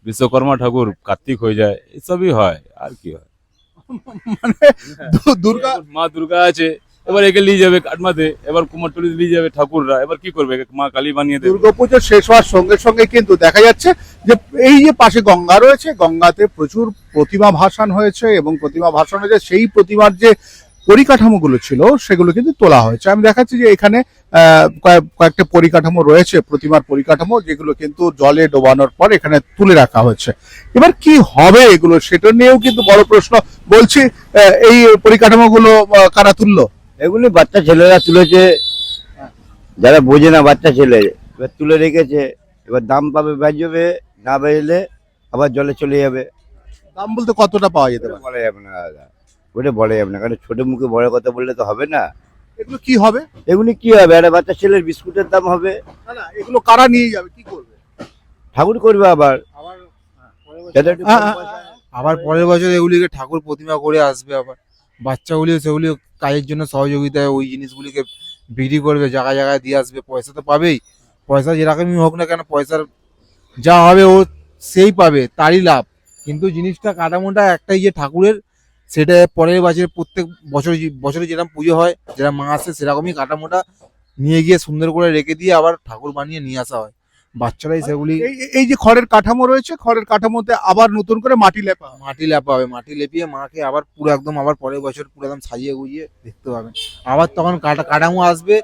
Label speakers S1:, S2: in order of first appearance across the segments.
S1: বিশ্বকর্মা ঠাকুর কার্তিক হয়ে যায়, এসবই হয় আর কি হয়।
S2: মানে দুর্গা
S1: মা দুর্গা আছে, এবার একে নিয়ে যাবে কাটমাতে, এবার কুমারটুলি নিয়ে যাবে ঠাকুররা, এবার কি করবে, একে মা কালী বানিয়ে দেবে।
S2: দুর্গাপুজো শেষ হওয়ার সঙ্গে সঙ্গে কিন্তু দেখা যাচ্ছে যে এই যে পাশে গঙ্গা রয়েছে, গঙ্গাতে প্রচুর প্রতিমা ভাসান হয়েছে এবং প্রতিমা ভাসান হয়েছে, সেই প্রতিমার যে পরিকাঠামোগুলো ছিল সেগুলো কিন্তু তোলা হয়েছে। আমি দেখাচ্ছি যে এখানে কয়েকটা পরিকাঠামো রয়েছে, প্রতিমার পরিকাঠামো, যেগুলো কিন্তু জলে ডোবানোর পর এখানে তুলে রাখা হয়েছে। এবার কি হবে এগুলো, সেটা নিয়েও কিন্তু বড় প্রশ্ন। বলছি, এই পরিকাঠামোগুলো কারা তুললো?
S3: এগুলি বাচ্চা ছেলেরা তুলেছে, যারা বোঝে না বাচ্চা ছেলে, এবার তুলে রেখেছে। এবার দাম পাবে বেচবে, না বেচলে আবার জলে চলে যাবে।
S2: দাম বলতে কতটা পাওয়া যেতে পারে?
S3: বলা যাবে না দাদা, ওটা বলা যাবে না, কারণ ছোট মুখে বড় কথা বললে তো হবে না।
S2: এগুলো কি হবে?
S3: এগুলি কি হবে, একটা বাচ্চা ছেলের বিস্কুটের দাম হবে।
S2: না না, এগুলো কারা নিয়ে যাবে, কি করবে?
S3: ঠাকুর করবে আবার, যাতে একটু কম পয়সায়।
S4: আবার পরের বছর এগুলিকে ঠাকুর প্রতিমা করে আসবে, আবার বাচ্চাগুলি সেগুলি কাজের জন্য সহযোগিতায় ওই জিনিসগুলিকে বিক্রি করবে, জায়গায় জায়গায় দিয়ে আসবে, পয়সা তো পাবেই। পয়সা যেরকমই হোক না কেন, পয়সার যা হবে ও সেই পাবে, তারই লাভ। কিন্তু জিনিসটা কাঠামোটা একটাই, যে ঠাকুরের, সেটা পরের বছর প্রত্যেক বছরে যেরকম পুজো হয়, যেরকম মা আসে, সেরকমই কাঠামোটা নিয়ে গিয়ে সুন্দর করে রেখে দিয়ে আবার ঠাকুর বানিয়ে নিয়ে আসা হয়। বাচ্চারাই সেগুলি
S2: এই যে খড়ের কাঠামো রয়েছে, খড়ের কাঠামোতে আবার নতুন করে মাটি লেপা হবে।
S4: মাটি লেপা হবে, মাটি লেপিয়ে মাকে আবার পুরো একদম আবার পরের বছর পুরো একদম সাজিয়ে গুজিয়ে দেখতে পাবেন। আবার তখন কাঠামো আসবে,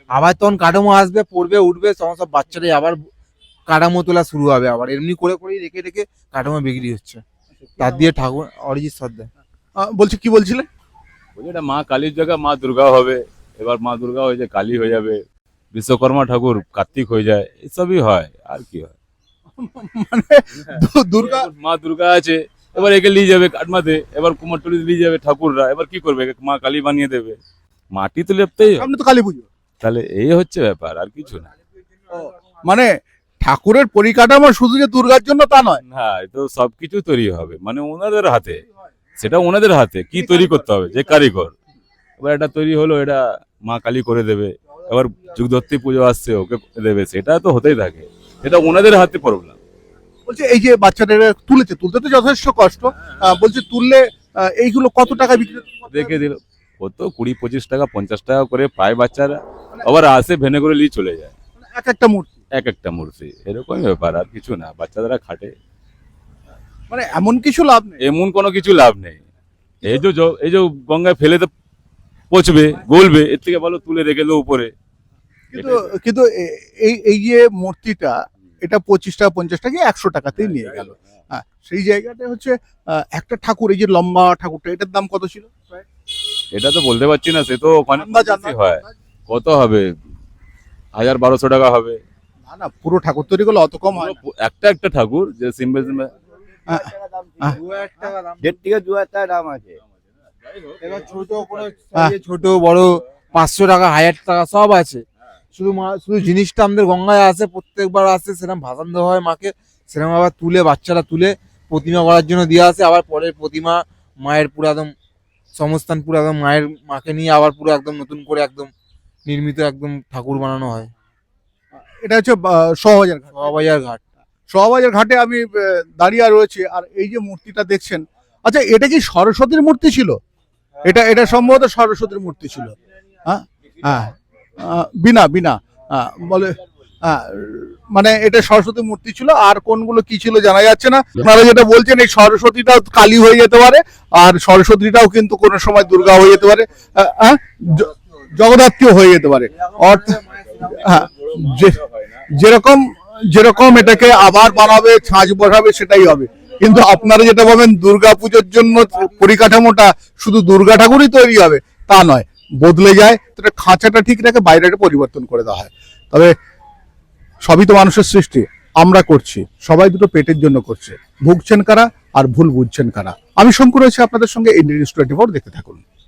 S4: পড়বে উঠবে, তখন সব বাচ্চারাই আবার কাঠামো তোলা শুরু হবে। আবার এমনি করে করেই রেখে রেখে কাঠামো বিক্রি হচ্ছে, তার দিয়ে ঠাকুর অরিজিৎ শ্রদ্ধা।
S2: বলছি, কি বলছিলেন?
S1: বলছি এটা মা কালীর জায়গা মা দুর্গা হবে, এবার মা দুর্গা হয়ে যায় কালী হয়ে যাবে, বিশ্বকর্মা ঠাকুর কার্তিক হয়ে যায়, এসবই হয় আর কি হয়।
S2: মানে দুর্গা
S1: মা দুর্গা আছে, এবার একে নিয়ে যাবে কাটমাতে, এবার কুমারটুলি নিয়ে যাবে ঠাকুররা, এবার কি করবে, একে মা কালী বানিয়ে দেবে। মাটি তো লেপতেই হবে।
S2: সামনে তো কালী পুজো,
S1: তাহলে এই হচ্ছে ব্যাপার, আর কিছু না।
S2: মানে ঠাকুরের পরিকাঠামো শুধু যে দুর্গার জন্য তা নয়।
S1: না, তো সবকিছু তৈরি হবে, মানে ওনাদের হাতে, সেটা ওনাদের হাতে কি তৈরি করতে হবে, যে কারিগর। এবার এটা তৈরি হলো, এটা মা কালী করে দেবে, এবার যুগধর্তী পুজো আসছে, ওকে দেবে, সেটা তো হতেই থাকে, এটা ওনাদের হাতে প্রবলেম।
S2: বলছে এই যে বাচ্চাদের তুলতে তো যথেষ্ট কষ্ট, বলছে তুললে এইগুলো কত টাকা বিক্রি করতে হবে?
S1: দেখে দিল কত 20-25 টাকা 50 টাকা করে পায় বাচ্চারা, আবার আসে ভেনে করে নিয়ে চলে যায়।
S2: এক একটা মূর্তি,
S1: এক একটা মূর্তি, এরকমই ব্যাপার, আর কিছু না। বাচ্চারা খাটে,
S2: মানে এমন কিছু লাভ নেই।
S1: এমন কোনো কিছু লাভ নেই। এই যে গঙ্গায় ফেলে তো পচবে, গলবে, এর থেকে ভালো তুলে রেখে দেবো উপরে।
S2: কিন্তু কিন্তু এই যে মূর্তিটা, এটা 25 টাকা 50 টাকা 100 টাকাতেই নিয়ে গেল। হ্যাঁ, সেই জায়গাটা হচ্ছে একটা ঠাকুর, এই যে লম্বা ঠাকুরটা, এটার দাম কত ছিল?
S1: এটা তো বলতে পারছি না, সে তো ওখানে
S2: আন্দাজ,
S1: বেশি হয়। কত হবে, 1000-1200 টাকা হবে।
S2: না না, পুরো ঠাকুর তৈরি করলে অত কম হয় না।
S1: একটা ঠাকুর যে সিম্বল
S2: হ্যাঁ,
S3: 1.5 থেকে 2,000 টাকা দাম আছে।
S4: এবার ছোট করে ছোট বড় 500 টাকা 1000 টাকা সব আছে। শুধু জিনিসটা আমাদের গঙ্গায় আসে, প্রত্যেকবার আসে, সেরকম ভাসান দেওয়া হয় মাকে, সেরকম আবার তুলে বাচ্চারা তুলে প্রতিমা করার জন্য দিয়ে আসে। আবার পরের প্রতিমা মায়ের পুরো একদম সমস্থান, পুরো একদম মাকে নিয়ে আবার পুরো একদম নতুন করে একদম নির্মিত একদম ঠাকুর বানানো হয়।
S2: এটা হচ্ছে শোভাবাজার ঘাট।
S4: শোভাবাজার ঘাট।
S2: শোভাবাজার ঘাটে আমি দাঁড়িয়ে রয়েছি, আর এই যে মূর্তিটা দেখছেন, আচ্ছা এটা কি সরস্বতীর মূর্তি ছিল? এটা সম্ভবত সরস্বতীর মূর্তি ছিল। হ্যাঁ হ্যাঁ, বিনা বলে, মানে এটা সরস্বতী মূর্তি ছিল, আর কোনগুলো কি ছিল জানা যাচ্ছে না। আপনারা যেটা বলছেন, এই সরস্বতীটাও কালী হয়ে যেতে পারে, আর সরস্বতীটাও কিন্তু কোনো সময় দুর্গা হয়ে যেতে পারে, জগদ্ধাত্রীও হয়ে যেতে পারে। অর্থাৎ হ্যাঁ, যেরকম এটাকে আবার বানাবে, ছাঁচ বসাবে, সেটাই হবে। কিন্তু আপনারা যেটা বলবেন দুর্গা পুজোর জন্য পরিকাঠামোটা শুধু দুর্গা ঠাকুরই তৈরি হবে, তা নয়, বদলে যায়। খাঁচাটা ঠিক রেখে বাইরেটা পরিবর্তন করে দেওয়া হয়। তবে সবই তো মানুষের সৃষ্টি, আমরা করছি, সবাই দুটো পেটের জন্য করছে। ভুগছেন কারা আর ভুল বুঝছেন কারা? আমি শঙ্কর রয়েছে আপনাদের সঙ্গে, ইন্ডিয়া নিউজ 24, দেখতে থাকুন।